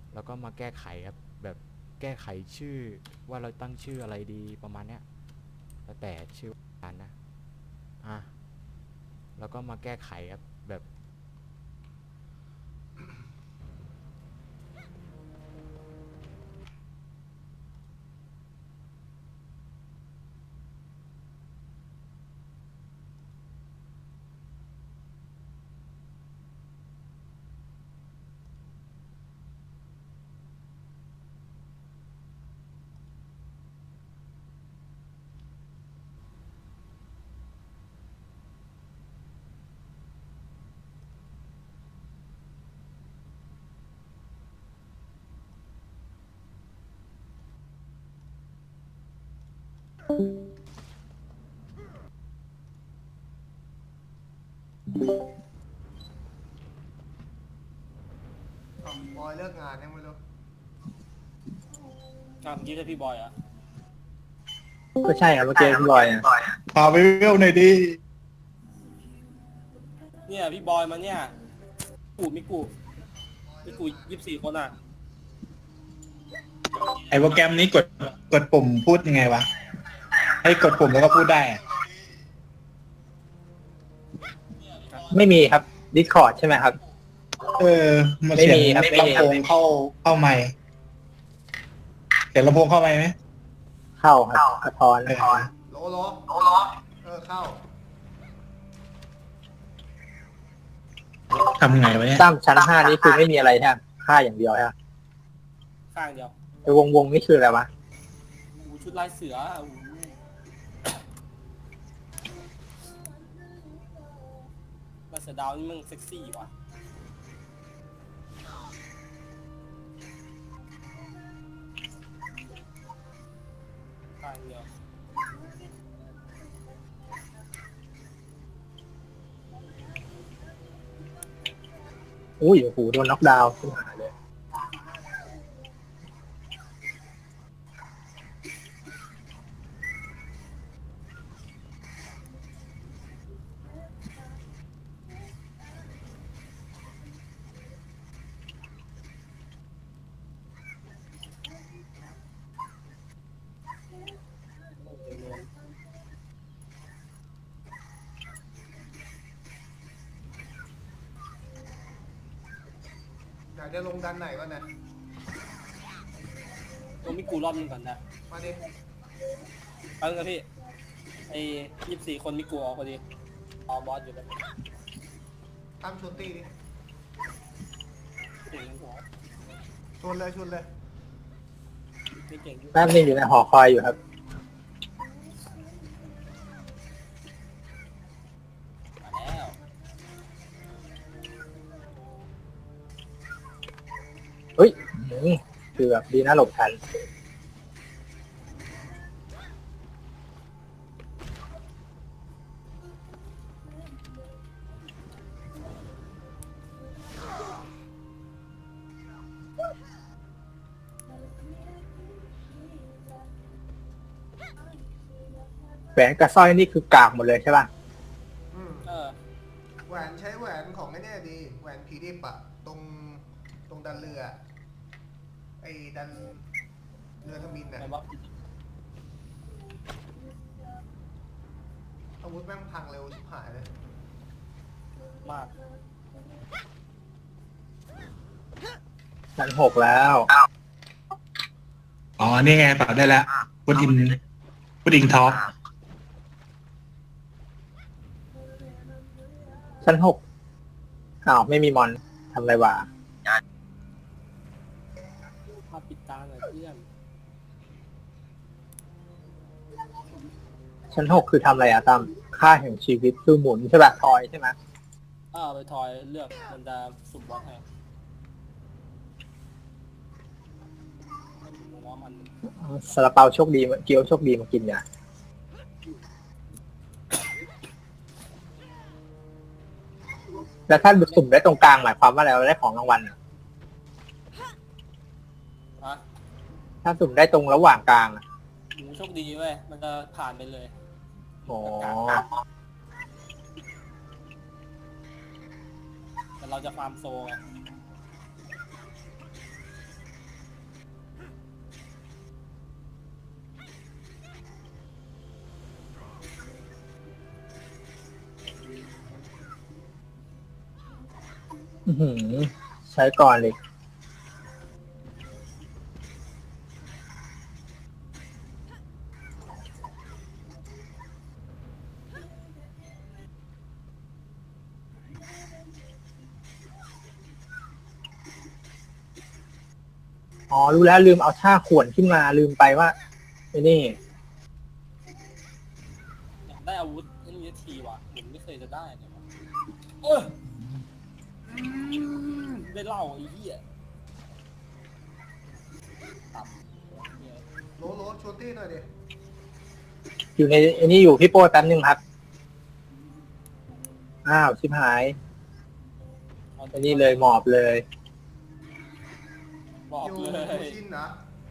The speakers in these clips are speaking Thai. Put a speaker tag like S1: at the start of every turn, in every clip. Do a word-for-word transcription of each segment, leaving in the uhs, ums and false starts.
S1: แล้วก็มาแก้ไขครับแบบแก้ไขชื่อว่าเราตั้งชื่ออะไรดีประมาณเนี้ยแล้วแต่ชื่อร้านนะอ่ะแล้วก็มาแก้ไขครับแบบ
S2: อ๋อบอยเลิกงานยังไม่รู้
S3: อ่ะเมื่อกี้จะพี่บอยเหรอ่ะ
S4: ก็ใช่ครับเมื่อกี้พี่บอยอะ
S5: พาไปเวลหน่อยดิ
S3: เนี่ยพี่บอยมาเนี่ยกูมิกูมิกูยี่สิบสี่คนอ่ะ
S5: ไอโปรแกรมนี้กดกดปุ่มพูดยังไงวะ ให้กดปุ่มแล้วก็พูดได้อะ
S4: ไม่มีครับ Discord ใช่ไหมครับ
S5: เออมาเสียง
S4: ไม่มีครับไม่มี
S5: ลำโพงเข้าเข้าไมค์เสียงลำโพงเข้าไมค์ไหม
S4: เข้าครับสะท้อน
S5: เออ
S2: โลโลโลโลเออเข้า
S5: ทำไงวะเนี่ย
S4: ตั้มชั้นห้านี่คือไม่มีอะไรใช่ไหมค่าอย่างเดียวใช่ไหม
S3: ข้างเดียว
S4: ไอ้วงวงนี่คืออะไรวะ
S3: อูชุดลายเสืออูลายเสือดาวนี่มึงเซ็กซี่ว่ะข้างเดียว
S4: อุ้ยโอ้โหโดนน็อกดาวน์ขึ้นมาเลย
S2: อยากจะลงดันไหนวะเนี่ย
S3: ตัวมิกูรอบนึงก่อนนะ
S2: มาดิ
S3: เอาเลยพี่ไอ้ยี่สิบสี่คนมิกูออกพอดีเอาบอสอยู่แล้ว
S2: ตั้มชวนตีดิ
S3: เก่งหัว
S2: ชวนเลยชวนเลย
S3: ไม่เก่งอยู่
S4: แป๊บนึงอยู่ในหอคอยอยู่ครับ
S3: มาแล้ว
S4: เฮ้ยอืมคือแบบดีนะหลบทันแหวนกับสร้อยนี่คือกากหมดเลยใช่ป่ะ
S2: อืม
S3: เออ
S2: แหวนใช้แหวนของไอ้เนี่ยดีแหวนผีดิบอะตรงตรงดันเรือไอ้ดันเรือทมินน่ะ
S3: แต่ว่า
S2: อาวุธแม่งพังเร็วชิบหายเลย
S3: มาก
S4: ชั้นหกแล้ว
S5: อ๋อ นี่ไงปรับได้แล้วพุดอินพุดอิงท็อก
S4: ชั้นหกอ้าวไม่มีมอนทำอะไรวะ
S3: มาปิดตาหน่อยเพื่อน
S4: ชั้นหกคือทำอะไรอะตั้มค่าแห่งชีวิตคือหมุนใช่ป่ะทอยใช่ไหม
S3: เออไปทอยเลือกมันจะสุ่มบอสให้ผมว่ามัน
S4: ซาลาเปาโชคดีเกี๊ยวโชคดีมากินเนี่ยแล้วถ้าสุ่มได้ตรงกลางหมายความว่าอะไรเราได้ของรางวัลอะ
S3: ฮะ
S4: ถ้าสุ่มได้ตรงระหว่างกลางอะ
S3: หมูโชคดีเว้ยมันจะผ่านไปเลย
S4: อ๋อ
S3: แต่เราจะฟาร์มโซไง
S4: อื้อหือใช้ก่อนเลยอ๋อรู้แล้วลืมเอาท่าขวนขึ้นมาลืมไปว่าไอ้นี่
S3: อยากได้อาวุธเอ็นเอทีว่ะผมไม่เคยจะได้เลยวะเอออืมได้เหล่าไอ้เหี้ยตับเนี่ย
S2: โลโลชวนตี้หน่อยดิ
S4: อยู่ในไอ้นี่อยู่พี่โป้แป๊บนึงครับอ้าวชิบหายไอ้นี่เลยหมอบเลย
S3: บอก
S2: อยู่
S3: เลย
S2: ยูชินนะ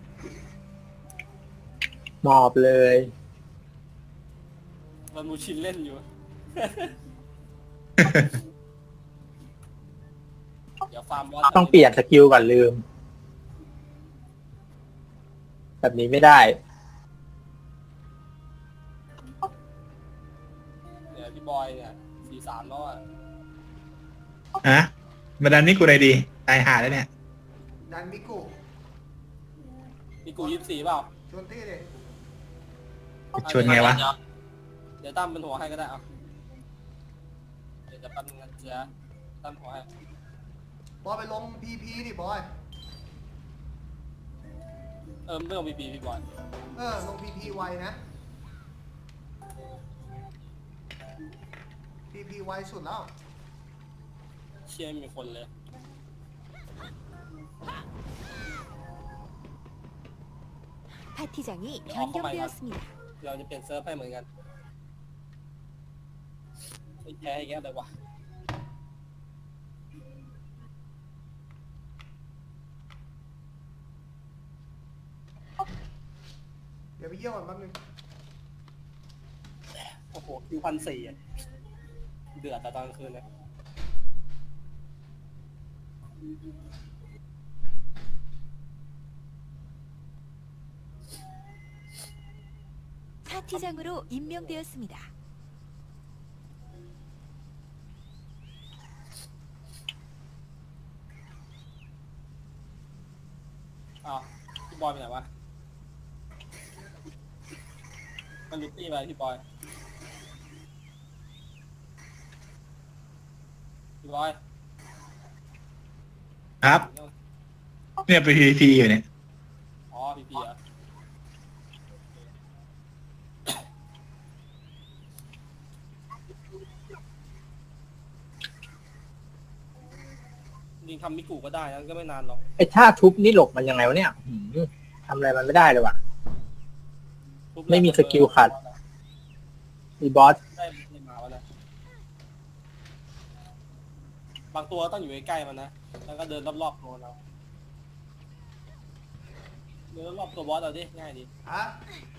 S4: หมอบเลย
S3: มันมูชินเล่นอยู่ เดี๋ยวฟาร์มบอส
S4: ต้องเปลี่ยนสกิลก่อนลืม แบบนี้ไม่ได้
S3: เดี๋ยวพี่บอยเนี่ยสี่สามแล้วอ่ะ
S5: ฮะมาดันนี่กูอะไรดีตายหาแล้วเนี่ย
S2: ดันมิกุ
S3: มีกูยี่สิบสี่เปล่า
S2: ชวนตี้ดิ
S5: ชวนไงวะ
S3: เดี๋ยเดี๋ยวตั้มเป็นหัวให้ก็ได้เอาเดี๋ยวจะปั้นเงินเสียตั้มหัวให้
S2: บอยไปลงพีพีดิบอย
S3: เออไม่ต้องบีบีพี่บอย
S2: เออลงพีพีไวนะพีพีไวสุดแล้ว
S3: เชียร์มีคนเลย
S6: 파티장이
S3: 어,
S6: 변경되었습니다.
S3: เราจะเปลี่ยนเซิร์ฟให้เหมือนกันไอ้แพ้อย่างเงี้ยเลยวะ
S2: เดี๋ยวไปเยี่ยมก่อนแป๊บนึง
S3: โอ้โหคิวพันสี่อะเดือดแต่ตอนกลางคืนเลย
S6: 파티장으로 임명되었습니다.
S3: อ้าวพี่บอยไปไหนวะมันลุกตี้ไปพี่บอยพี่บอย
S5: ครับ เนี่ยไปพีพีอยู่เนี่ย
S3: อ๋อพี่พีอ่ะจริงทำมิกุก็ได้นะก็ไม่นานหรอก
S4: ไอ้ท่าทุบนี่หลบมันยังไงวะเนี่ยหืมทำอะไรมันไม่ได้เลยว่ะ
S3: ทุบ
S4: ไม่มีสกิลขัด มีบอส
S3: ได้ได้มาวะนะบางตัวต้องอยู่ใกล้ๆมันนะแล้วก็เดินรอบๆตัวเราเดินรอบๆตัวบอสเราดิง่ายดี
S2: ฮะ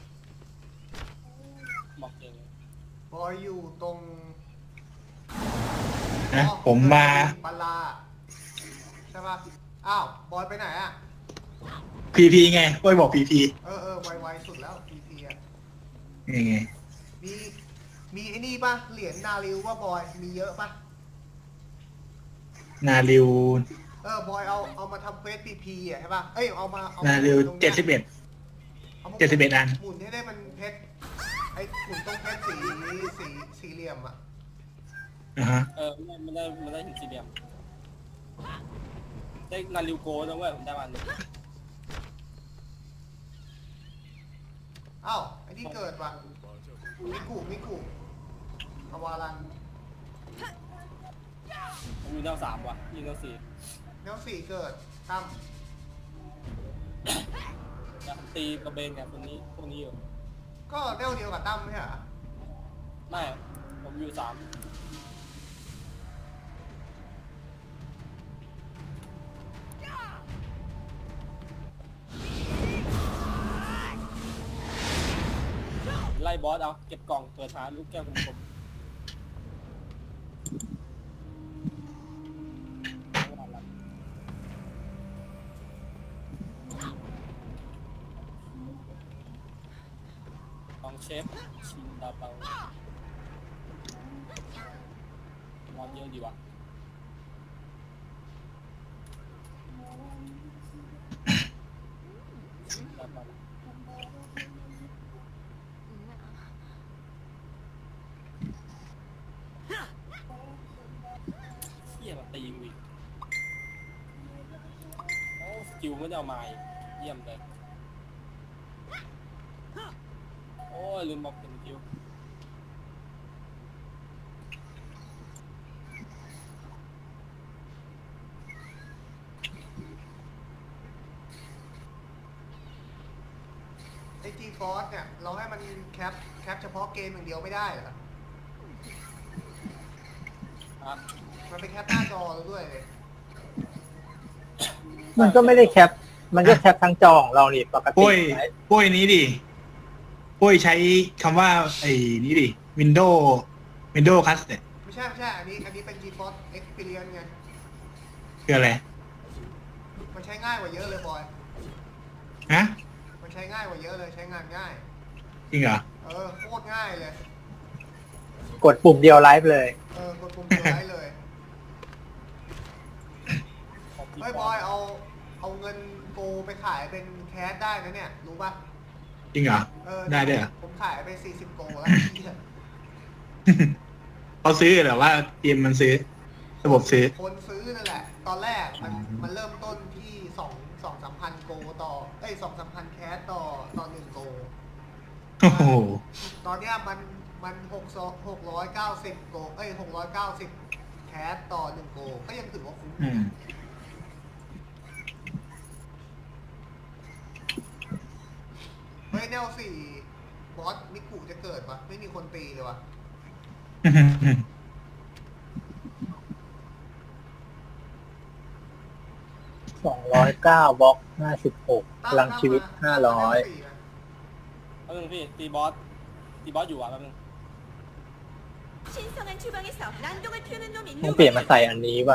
S3: บอกเองเลย
S2: บอยอยู่ตรง
S5: นะผมมา
S2: ปลาใช่ปะอ้าวบอยไปไหนอ่ะ
S5: พีพีไงโอ้ยบอกพีพี
S2: เออเออไวไวสุดแล้วพีพีอ่ะ
S5: นี่ไง
S2: มีมีไอ้นี่ปะเหรียญนาริวว่าบอยมีเยอะปะ
S5: นาริว
S2: เออบอยเอาเอามาทำเฟสพีพีอ่ะใช่ปะเอ้ยเอามาเอา
S5: นา
S2: มา
S5: ริว
S2: ตรงนี้ย
S5: เจ็ดสิบเอ็ด
S2: อามา
S5: เจ็ดสิบเอ็ดอัน
S2: หมุนให้ได้มันเพชรไอ้หมุนตรงเพชรสีสีสี่เหลี่ยมอ่ะ
S5: อ่าฮะ
S3: เออไม่ได้ไม่ได้หินสี่เหลี่ยมได้นาริวโกนะเว้ยผมได้มาหนึ่ง
S2: อ้าวไอ้นี่เกิดว่ะมิกุมิกุอาวารัน
S3: ผมอยู่แนวสามว่ะยิงแนวสี่
S2: แนวสี่เกิดตั้ม
S3: อยากตีกระเบนกับคนนี้พวกนี้อยู่
S2: ก็แนวเดียวกับตั้มไม่ใช่เหรอ
S3: ไม่ผมอยู่สามไล่บอสเอาเก็บกล่องเปิดหาลูกแก้วกลมๆของเชฟชินดาเปามอนเยอะดีว่ะเยี่ยมตีกูอีกโอ้สกิลไม่ได้เอามาอีกเยี่ยมเลยโอ้ยลืมบอกเป็นสกิล
S2: ไอจีฟอร์เนี่ยเราให้มันแคปแคปเฉพาะเกมอย่างเดียวไม่ได้เหรอ
S3: อ่ะ
S2: มันไปแคปหน้าจอเราด้วยเลย
S4: มันก็ไม่ได้แคป มันก็แคปทั้งจอของเรานี่ปกติ
S5: ปุ้ยปุ้ยนี้ดิปุ้ยใช้คำว่าไอ้นี้ดิ Windows Windows Cast เนี่ย
S2: ไม่ใช่ไม่ใช่อันนี้อันนี้เป็น GeForce Experience ไง
S5: คืออะไร
S2: มันใช้ง่ายกว่าเยอะเลยบอย
S5: ฮะ
S2: มันใช้ง่ายกว่าเยอะเลยใช้งานง่าย
S5: จริงเหรอ
S2: เออโคตรง่ายเลย
S4: กดปุ่มเดียวไลฟ์เลย
S2: เออกดปุ่มเดียวได้เลย
S3: ของพี่
S2: เฮ้ยบอยเอาเอาเงินโกไปขายเป็นแคสได้นะเนี่ยรู้ป่ะ
S5: จริงเหรอ
S2: เออ
S5: ได้ด้วยเหรอ
S2: ผมขายไปสี่สิบโกแล้วเหี้ย
S5: เขาซื้อเหรอว่าเกมมันซื้อ ระบบซื้อ
S2: คนซื้อนั่นแหละ ตอนแรกมันมันเริ่มต้นที่สองสองสามพันโกต่อเอ้ยสองสามพันแคสต่อต่อหนึ่งโก
S5: โอ้โห
S2: ตอนเนี้ยมันมันหกหกร้อยเก้าสิบโกเอ้ยหกร้อยเก้าสิบแคสต่อหนึ่งโกก็ยังถือว่าคุ้ม
S5: อืม
S2: เฮ้ยแนวสี่บอสมิกุจะเกิดปะไม่มีคนตีเลยวะ
S4: สองร้อยเก้าบล็อกห้าสิบหกพลังชีวิตห้าร้อย
S3: แป๊บนึงพี่ตีบอสตีบอสอยู่อ่ะแป๊บนึง
S6: 신성한 주방에서 난동을 피우는 놈이
S4: ต้องเปลี่ยนมา
S6: 누구냐?
S4: ใส่อันนี้ว่ะ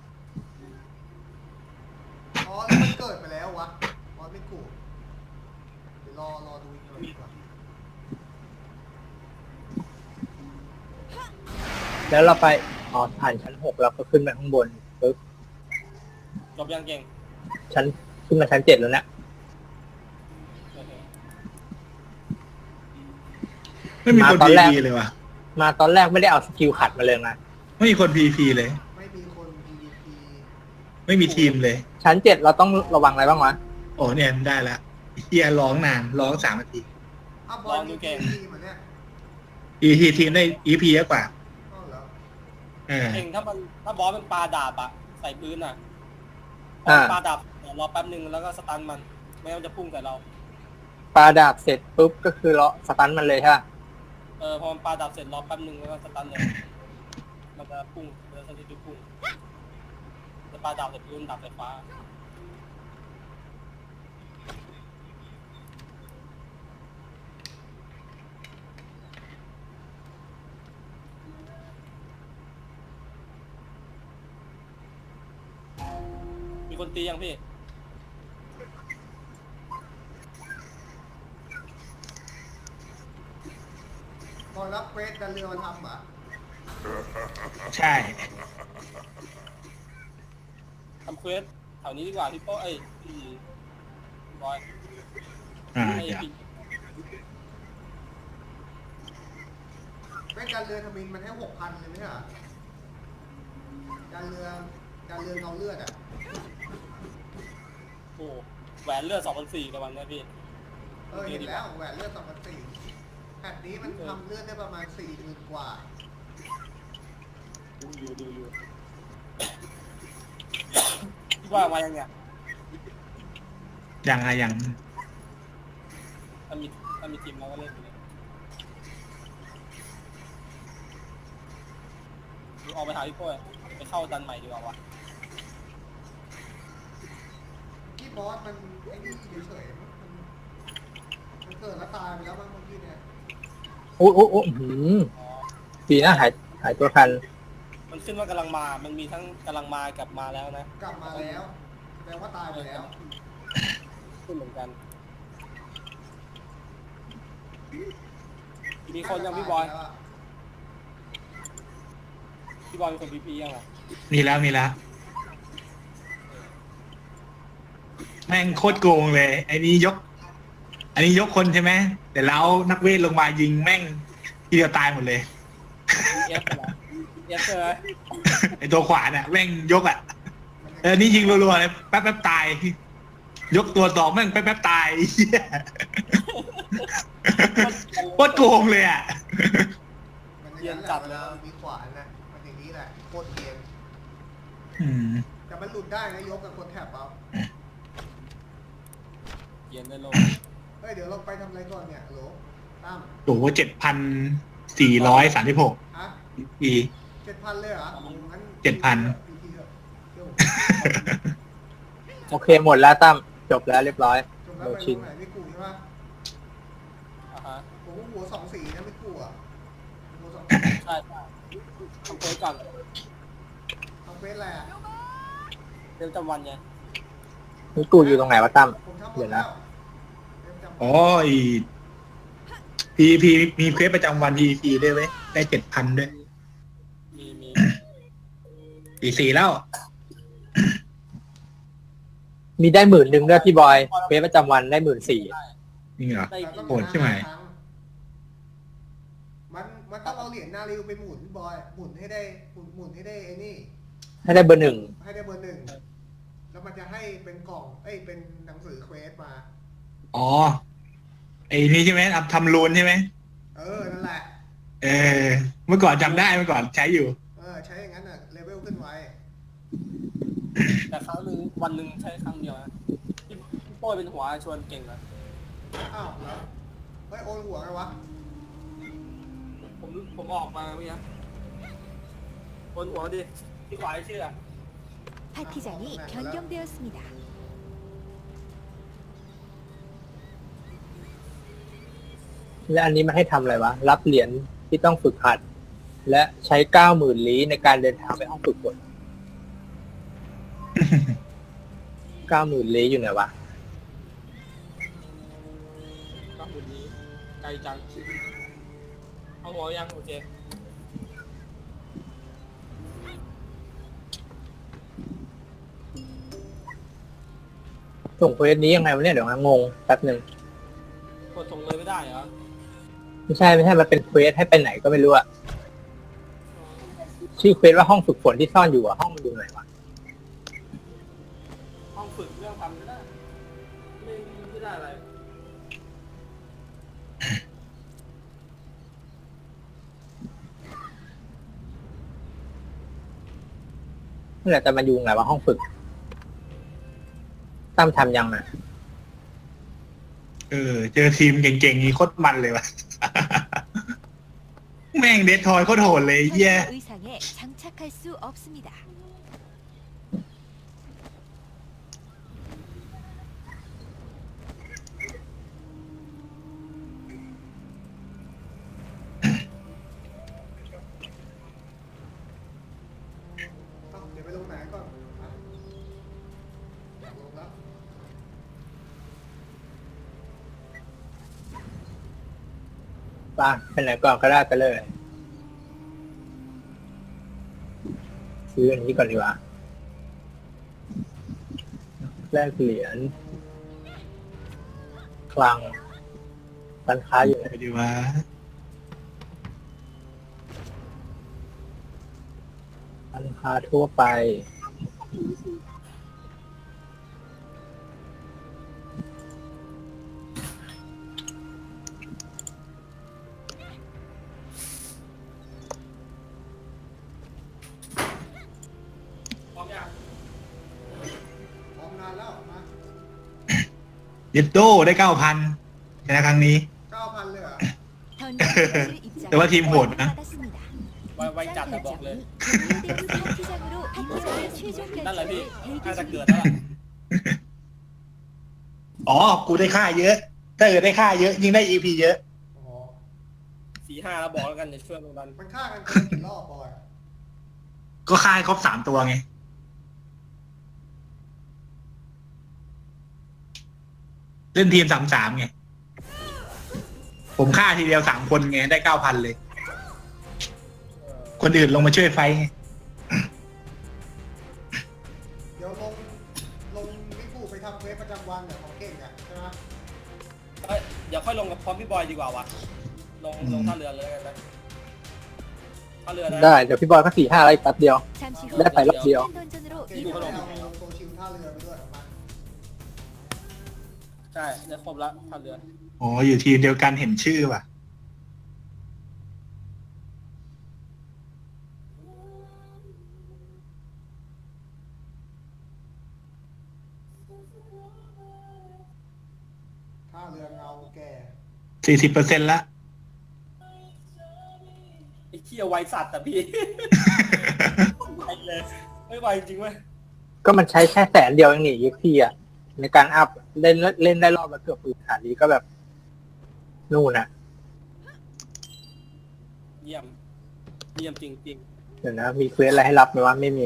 S2: อ๋อแล้วมันเกิดไปแล้ววะบอสมิกุเดี๋ยวรอรอดูอีกหน่อยดีกว่า
S4: แล้วเราไปอ๋อผ่านชั้นหกเราก็ขึ้นไปข้างบนปึ๊บ
S3: จบยังเก่ง
S4: ชั้นขึ้นมาชั้นเจ็ดแล้วเนี่ย
S3: โอเค
S5: ไม่มีคน
S4: มาตอน
S5: พี
S4: แรก
S5: พีเลยว่ะ
S4: มาตอนแรกไม่ได้เอาสกิลขัดมาเลยนะ
S5: ไม่มีคนพีพีเลย
S2: ไม่มีคน พี วี พี
S5: ไม่มีทีมเลย
S4: ชั้นเจ็ดเราต้องระวังอะไรบ้างวะ
S5: โอ้เนี่ยได้ละเฮียร้องนานร้องสามนาที
S2: อ้าวบอลมีพีพีเหมือนเนี่ย
S5: อีพีทีมได้อีพีเยอะกว่า
S2: อ๋อเหรอ
S5: เออ
S3: เก่งถ้ามันถ้าบอสมันปาดาบอะใส่ปืนอะ
S4: อ่า
S3: ปาดาบเดี๋ยวรอแป๊บนึงแล้วก็สตันมันไม่งั้นมันจะพุ่งใส่เรา
S4: ปาดาบเสร็จปุ๊บก็คือเลาะสตันมันเลยใช่ปะ
S3: เออพอมันปาดาบเสร็จรอแป๊บนึงแล้วก็สตันเลย มันจะพุ่งมันจะสถิติพุ่งจะปาดาบเสร็จปืนดาบไฟฟ้า มีคนตียังพี่
S2: บอลรับเควสดันเรือมาทำอ่ะ
S5: ใช่
S3: ทำเควสแถวนี้ดีกว่าพี่โป้เอ้ยพี่บอย
S5: อ่า
S3: ไอ้
S5: เดี๋ยว
S3: พี่
S2: เควสดันเรือทมินมันให้หกพันเลยไหมอ่ะดันเรือดันเรือเงาเลือดอ่ะ
S3: โอ้แหวนเลือดสองพันสี่กับวันเนี้ยพี่
S2: เออเห็นแล้วแหวนเลือดสองพันสี่แผ่นนี้มันทำเลือดได้ประมาณสี่หมื่นกว่า
S3: ดูอยู่ดูอยู่ พี่ว่ามายังเนี่ย
S5: ยังอะยัง
S3: ถ้ามีถ้ามีทีมเราก็เล่นอยู่เลยดูออกไปหาพี่โป้ยไปเข้าดันใหม่ดีกว่าวะ
S2: ที่บอสมันไอ้นี่เฉยๆมันมันเกิดแล้วตายไปแล้วบางเมื่อกี้เนี่ย
S4: โอ้โอ้โอ้อื้อหือ
S3: อ๋อ
S4: ปีหน้าหายหายตัวทัน
S3: มันขึ้นว่ากำลังมา มันมีทั้งกำลังมากับมาแล้วนะ
S2: กลับมาแล้วแปลว่าตายไปแล้ว
S3: ขึ้นเหมือนกัน มีคนยังพี่บอย พี่บอยมีคนพีพียังอ่ะ
S5: มีแล้วมีแล้วแม่งโคตรโกงเลยไอ้นี้ยก อันนี้ยกคนใช่ไหมแต่แล้วนักเวทลงมายิงแม่งทีเดียวตายหมดเลย
S3: เอฟเหรอเอฟใช่ไหม
S5: ไอ้ตัวขวาน่ะแม่งยกอ่ะเออนี่ยิงรัวๆเลยแป๊บแป๊บตาย ยกตัวสองแม่งแป๊บแป๊บตายเหี้ยโคตรโกงเลยอ่ะ
S2: มันอย่างนั้นแหละเวลามีขวานนะมันอย่างนี้แหละโคตรเกรียน
S5: อืม
S2: แต่มันหลุดได้นะยกกับคนแถบเอา
S3: เย็นได้ลง
S2: เฮ้ยเดี๋ยวเราไปทำอะไรก่อนเนี่ยโหลตั้ม
S5: โอ้โหเจ็ดพันสี่ร้อยสามสิบหก
S2: ฮะ
S5: ปี
S2: เจ็ดพันเลยเหรองั้น
S5: เจ็ดพัน
S2: พีทีเถอะเดี๋ยว
S4: โอเคหมดแล้วตั้มจบแล้วเรียบร้อย
S2: จบแล้วไปตรงไหนไม่กูใช่ปะ
S3: อ่ะฮะ
S2: ผมว่าหัวสองสีนะไม่กูอ่ะหัวสอง
S3: ใช่ใช่ทำเควสก่อน
S2: ทำเฟสอะไรอ่ะ
S3: เรื่องจำวันไง
S4: นี่กูอยู่ตรงไหนวะตั้ม
S2: ผมทำหม
S4: เดี๋
S2: ด
S4: ยว
S2: แล้
S4: นะ
S2: วเริ่มจำ
S5: อ๋อไอพีพีมีเควสประจำวันพีพีด้วยไหมได้เจ็ดพันด้วย
S3: มีมี
S5: ปีสี่แล้ว
S4: มีได้หมื่นหนึ่งด้วยพี่บอยเฟซประจำวันได้หมื่นสี่
S5: จริงเหรอ
S3: ได้
S2: แต่ต้อง
S5: โหดใช่ไหม
S2: ครั้งมันมันต้องเอาเหรียญนาริวไปหมุนบอยหมุนให้ได้หมุนหมุนให้ได้ไอ้นี่
S4: ให้ได้เบอร์หนึ่ง
S2: ให้ได้เบอร์หนึ่งแล้วมันจะให้เป็นกล่องเอ้ยเป็นหนังสือเควสมา
S5: อ๋อไอ้นี่ใช่ไหมทำทำรูนใช่ไหม
S2: เออนั่นแหละ
S5: เออเมื่อก่อนจำได้เมื่อก่อนใช้อยู่
S2: เออใช้อย่างนั้นอ่ะเลเวลขึ้นไว
S3: แต่ครั้งหนึ่งวันหนึ่งใช้ครั้งเดียวนะพี่พี่โป้ยเป็นหัวชวนเก่งนะ
S2: อ้าวแล้วเฮ้ยโอนหัวไงวะ
S3: ผมผมออกมาเมื่อกี้บนหัวดิพี่ขวายชื่ออะ
S6: 파티장이 변경되었습니다.
S4: และอันนี้มันให้ทำอะไรวะ รับเหรียญที่ต้องฝึกหัด และใช้เก้าหมื่นลี้ในการเดินทางไปห้องฝึกฝน เก้าหมื่นลี้อยู่ไหนวะ
S3: ก็หุ่นนี้ไกลจังเอาหัวยังโอเค
S4: ส่งเควสนี้ยังไงวะเนี่ยเดี๋ยวนะงงแป๊บหนึ่ง
S3: กดส่งเลยไม่ได้เหรอ
S4: ไม่ใช่ไม่ใช่มันเป็นเควสให้ไปไหนก็ไม่รู้อะชื่อเควสว่าห้องฝึกฝนที่ซ่อนอยู่อะห้องมันอยู่ไหนวะ
S3: ห้องฝึกเรื่องทำไม่ได้ไม่ไม่ได้อะไร
S4: นั่นแหละแต่มันอยู่ไหนวะห้องฝึกตั้มทำยังอะ
S5: เออ เจอทีมเก่งๆนี่โคตรมันเลยวะ แม่งเดททอยโคตรโหดเลยเหี้ย
S6: 현재 의상에 장착할 수 없습니다.
S2: เอ้าเดี๋ยวไปลงไหนก่อนอ่ะอยากลงแล้ว
S4: ไป้าไปไหนก่อนก็ได้ไปเลย ซื้ออันนี้ก่อนดีกว่าแลกเหรียญคลังร้านค้าอยู่ไหน
S5: ไปดีวะ
S4: ร้านค้าทั่วไป
S3: พร้อมยัง
S2: พร้อมนานแล้วมา
S5: เย็ดโดได้เก้าพันในครั้งนี้
S2: เก้าพันเลยเหรอ
S6: 던전실
S5: แต่ว่าทีมโหดนะ
S6: 받았습니다.
S3: ไว้ไว้จัดแต่บอกเลย
S6: 대 파티장으로 파티장의 최종
S3: นั่นแหละพี่
S6: 결정을
S3: น่าจะ
S6: 대기
S3: เกิด
S6: 중입니다.
S3: แล้วล่ะ
S5: อ๋อ กูได้ค่าเยอะ ถ้าเกิดได้ค่าเยอะ ยิ่งได้ อี พี เยอะ
S2: อ๋อ
S3: สี่ห้าแล้วบอกแล้วกันเดี๋ยวช่วยลงดัน
S2: มันฆ่ากันคนละกี่รอบบอย
S5: ก็ค่าให้ครบสามตัวไง เล่นทีมสามสามไง ผมฆ่าทีเดียวสามคนไง ได้เก้าพันเลย คนอื่นลงมาช่วยไฟท์ไง
S2: เดี๋ยวลงลงมิกูไปทำเควสประจำมันเนี่ยของเก่งอ่ะใช่ไหม
S3: เอ้ยเดี๋ยวค่อยลงกับพร้อมพี่บอยดีกว่าวะลงลงท่าเรือเลยแล้วกันนะท่าเรือนะ
S4: ได้เดี๋ยวพี่บอยก็สี่ห้าอะไรแป๊บเดียว
S6: 잠시 후
S4: ได้ไปรอบเดียว
S6: 던전으로
S2: เก่ง
S6: 이동.
S2: ก็เอาโซชิลท่าเรือไปด้วยของมัน
S3: ใช่ได้ครบละท่าเรือ
S5: อ๋ออยู่ทีมเดียวกันเห็นชื่อว่ะ
S2: ท่าเรือเงาแก่
S5: สี่สิบเปอร์เซ็นต์ละ
S3: ไอ้เขี้ยไวสัตว์แต่พี่ ไวเลยไม่ไวจริงเว้ย
S4: ก็มันใช้แค่แสนเดียวเองนี่ยีพีอ่ะในการอัพเล่นเล่นได้รอบละเกือบพื้นฐานนี้ก็แบบนู่นน่ะ
S3: เยี่ยมเยี่ยมจริง
S4: เดี๋ยวนะ มีเควสอะไรให้รับไหมว่าไม่มี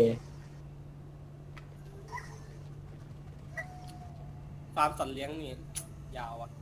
S3: ๆฟาร์มสัตว์เลี้ยงนี่ยาวอ่ะ